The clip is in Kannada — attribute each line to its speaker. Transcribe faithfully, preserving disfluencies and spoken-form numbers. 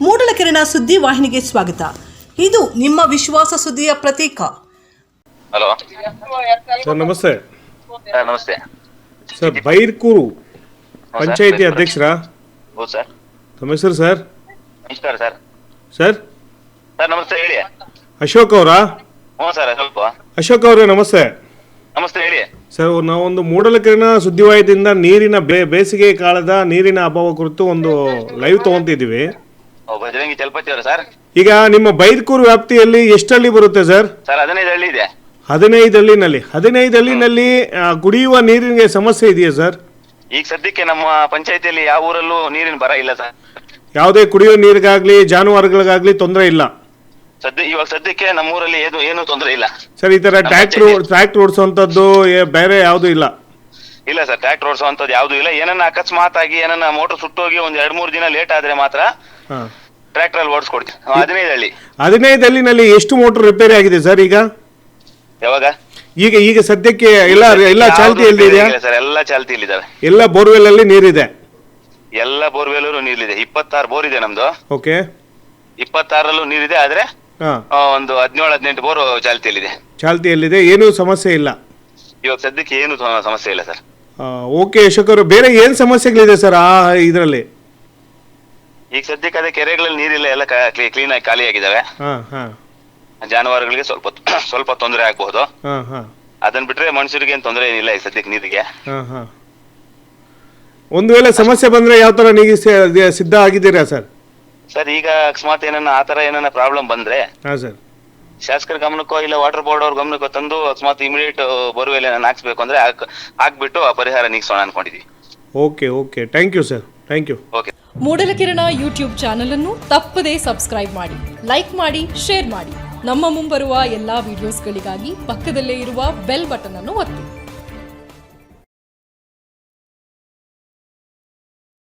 Speaker 1: ಮೂಡಲಕೆರೆನ ಸುದ್ದಿ ವಾಹಿನಿಗೆ ಸ್ವಾಗತ. ಇದು ನಿಮ್ಮ ವಿಶ್ವಾಸ ಸುದ್ದಿಯ ಪ್ರತೀಕ.
Speaker 2: ಹಲೋ
Speaker 3: ಸರ್, ನಮಸ್ತೆ.
Speaker 2: ಸರ್ ನಮಸ್ತೆ
Speaker 3: ಸರ್, ಬೈರ್ಕೂರು ಪಂಚಾಯಿತಿ ಅಧ್ಯಕ್ಷರಾ?
Speaker 2: ಹೌದು ಸರ್.
Speaker 3: ತಮ್ಮ ಹೆಸರು ಸರ್?
Speaker 2: ನಮಸ್ಕಾರ ಸರ್.
Speaker 3: ಸರ್
Speaker 2: ಸರ್ ನಮಸ್ತೆ, ಹೇಳಿ.
Speaker 3: ಅಶೋಕ್ ಅವರಾ?
Speaker 2: ಹ್ಞೂ ಸರ್, ಸ್ವಲ್ಪ
Speaker 3: ಅಶೋಕ್ ಅವರೇ ನಮಸ್ತೆ.
Speaker 2: ನಮಸ್ತೆ, ಹೇಳಿ.
Speaker 3: ಸರ್, ನಾವೊಂದು ಮೂಡಲಕೆರೆನ ಸುದ್ದಿವಾಹಿನಿಯಿಂದ ನೀರಿನ ಬೇ ಬೇಸಿಗೆ ಕಾಲದ ನೀರಿನ ಅಭಾವ ಕುರಿತು ಒಂದು ಲೈವ್ ತಗೊಂತಿದ್ದೀವಿ.
Speaker 2: ಓ, ಬಜರಂಗಿ ಚಲಪತಿ ಅವರ ಸರ್?
Speaker 3: ಈಗ ನಿಮ್ಮ ಬೈರ್ಕೂರು ವ್ಯಾಪ್ತಿಯಲ್ಲಿ ಎಷ್ಟು ಹಳ್ಳಿ ಬರುತ್ತೆ ಸರ್?
Speaker 2: ಸರ್ ಹದಿನೈದು ಹಳ್ಳಿ ಇದೆ.
Speaker 3: ಹದಿನೈದು ಹಳ್ಳಿನಲ್ಲಿ ಹದಿನೈದು ಹಳ್ಳಿನಲ್ಲಿ ಆ, ಕುಡಿಯುವ ನೀರಿನ ಸಮಸ್ಯೆ ಇದೆಯಾ ಸರ್?
Speaker 2: ಈಗ ಸದ್ಯಕ್ಕೆ ನಮ್ಮ ಪಂಚಾಯತಿಯಲ್ಲಿ ಯಾವ ಊರಲ್ಲೂ ನೀರಿನ ಬರ ಇಲ್ಲ ಸರ್.
Speaker 3: ಯಾವುದೇ ಕುಡಿಯುವ ನೀರಿಗಾಗ್ಲಿ ಜಾನುವಾರುಗಳಿಗಾಗ್ಲಿ ತೊಂದರೆ ಇಲ್ಲ
Speaker 2: ಸದ್ಯ ಇವಾಗ ಸದ್ಯಕ್ಕೆ ನಮ್ಮೂರಲ್ಲಿ ಏನು ಏನು ತೊಂದರೆ ಇಲ್ಲ
Speaker 3: ಸರ್. ಈ ತರ ಟ್ರ್ಯಾಕ್ಟರ್ ಟ್ರ್ಯಾಕ್ಟರ್ ಓಡಿಸುವಂತದ್ದು ಬೇರೆ ಯಾವುದು ಇಲ್ಲ?
Speaker 2: ಇಲ್ಲ ಸರ್, ಟ್ರ್ಯಾಕ್ಟರ್ ಓಡಿಸುವಂತದ್ದು ಯಾವ್ದು ಇಲ್ಲ. ಏನನ್ನ ಅಕಸ್ಮಾತ್ ಆಗಿ ಏನನ್ನ ಮೋಟರ್ ಸುಟ್ಟೋಗಿ ಒಂದ್ ಎರಡ್ ಮೂರ್ ದಿನ ಲೇಟ್ ಆದ್ರೆ ಮಾತ್ರ ಟ್ರ್ಯಾಕ್ಟರ್ ಅಲ್ಲಿ ಓಡಿಸ್ಕೊಡ್ತೀವಿ. ಹದಿನೈದು ಹಳ್ಳಿ
Speaker 3: ಹದಿನೈದು ಹಳ್ಳಿನಲ್ಲಿ ಎಷ್ಟು ಮೋಟರ್ ರಿಪೇರಿ ಆಗಿದೆ ಸರ್ ಈಗ?
Speaker 2: ಯಾವಾಗ?
Speaker 3: ಈಗ ಈಗ ಸದ್ಯಕ್ಕೆ ಎಲ್ಲ ಎಲ್ಲ ಚಾಲ್ತಿಯಲ್ಲಿ ಇದೆಯಾ
Speaker 2: ಸರ್? ಎಲ್ಲ ಚಾಲ್ತಿಯಲ್ಲಿದ್ದಾವೆ.
Speaker 3: ಎಲ್ಲ ಬೋರ್ವೆಲ್ ಅಲ್ಲಿ ನೀರಿದೆ?
Speaker 2: ಎಲ್ಲ ಬೋರ್ವೆಲ್ ನೀರಿದೆ. ಇಪ್ಪತ್ತಾರು ಬೋರ್ ಇದೆ ನಮ್ದು.
Speaker 3: ಓಕೆ.
Speaker 2: ಇಪ್ಪತ್ತಾರಲ್ಲೂ ನೀರಿದೆ, ಆದ್ರೆ ಒಂದು ಹದಿನೇಳು ಹದಿನೆಂಟು ಬೋರ್ ಚಾಲ್ತಿಯಲ್ಲಿದೆ.
Speaker 3: ಚಾಲ್ತಿಯಲ್ಲಿದೆ, ಏನೂ ಸಮಸ್ಯೆ ಇಲ್ಲ
Speaker 2: ಇವಾಗ ಸದ್ಯಕ್ಕೆ ಏನು ಸಮಸ್ಯೆ ಇಲ್ಲ ಸರ್.
Speaker 3: ಓಕೆ ಅಶೋಕ್ ಅವರು, ಬೇರೆ ಏನ್ ಸಮಸ್ಯೆಗಳಿದೆ ಸರ್ ಆ ಇದರಲ್ಲಿ?
Speaker 2: ಈಗ ಸದ್ಯಕ್ಕೆ ಅದೇ ಕೆರೆಗಳಲ್ಲಿ ನೀರಿಲ್ಲ, ಎಲ್ಲ ಕ್ಲೀನ್ ಆಗಿ ಖಾಲಿ ಆಗಿದ್ದಾವೆ. ಜಾನುವಾರುಗಳಿಗೆ ಸ್ವಲ್ಪ ಸ್ವಲ್ಪ ತೊಂದರೆ ಆಗಬಹುದು. ಅದನ್ನ ಬಿಟ್ರೆ ಮನುಷ್ಯರಿಗೆ ಏನ್ ತೊಂದರೆ ಏನಿಲ್ಲ ಈಗ ಸದ್ಯಕ್ಕೆ ನೀರಿಗೆ.
Speaker 3: ಒಂದು ವೇಳೆ ಸಮಸ್ಯೆ ಬಂದ್ರೆ ಯಾವ ತರ ನೀಗಿ ಸಿದ್ಧ ಆಗಿದ್ದೀರಾ ಸರ್?
Speaker 2: ಸರ್, ಈಗ ಅಕಸ್ಮಾತ್ ಏನನ್ನ ಆತರ ಏನನ್ನ ಪ್ರಾಬ್ಲಮ್ ಬಂದ್ರೆ
Speaker 3: ಸರ್
Speaker 2: ಶಾಸಕರ ಗಮನಕ್ಕೋ ಇಲ್ಲ ವಾಟರ್ ಬೋರ್ಡ್ ಅವ್ರ ಗಮನಕ್ಕೋ ತಂದು ಅಕಸ್ಮಾತ್ ಇಮಿಡಿಯೇಟ್ ಬೋರ್ವೆಲ್ ಏನನ್ನ ಹಾಕ್ಸ್ಬೇಕು ಅಂದ್ರೆ ಹಾಕ್ಬಿಟ್ಟು ಆ ಪರಿಹಾರ ನೀಗಿಸೋಣ ಅನ್ಕೊಂಡಿದ್ವಿ.
Speaker 3: Okay okay thank you sir, thank you.
Speaker 2: Okay.
Speaker 4: ಮೂಡಲಕೆರೆನ ಯೂಟ್ಯೂಬ್ ಚಾನಲ್ ಅನ್ನು ತಪ್ಪದೇ ಸಬ್ಸ್ಕ್ರೈಬ್ ಮಾಡಿ, ಲೈಕ್ ಮಾಡಿ, ಶೇರ್ ಮಾಡಿ. ನಮ್ಮ ಮುಂಬರುವ ಎಲ್ಲಾ ವಿಡಿಯೋಸ್ಗಳಿಗಾಗಿ ಪಕ್ಕದಲ್ಲೇ ಇರುವ ಬೆಲ್ ಬಟನ್ ಅನ್ನು ಒತ್ತಿ.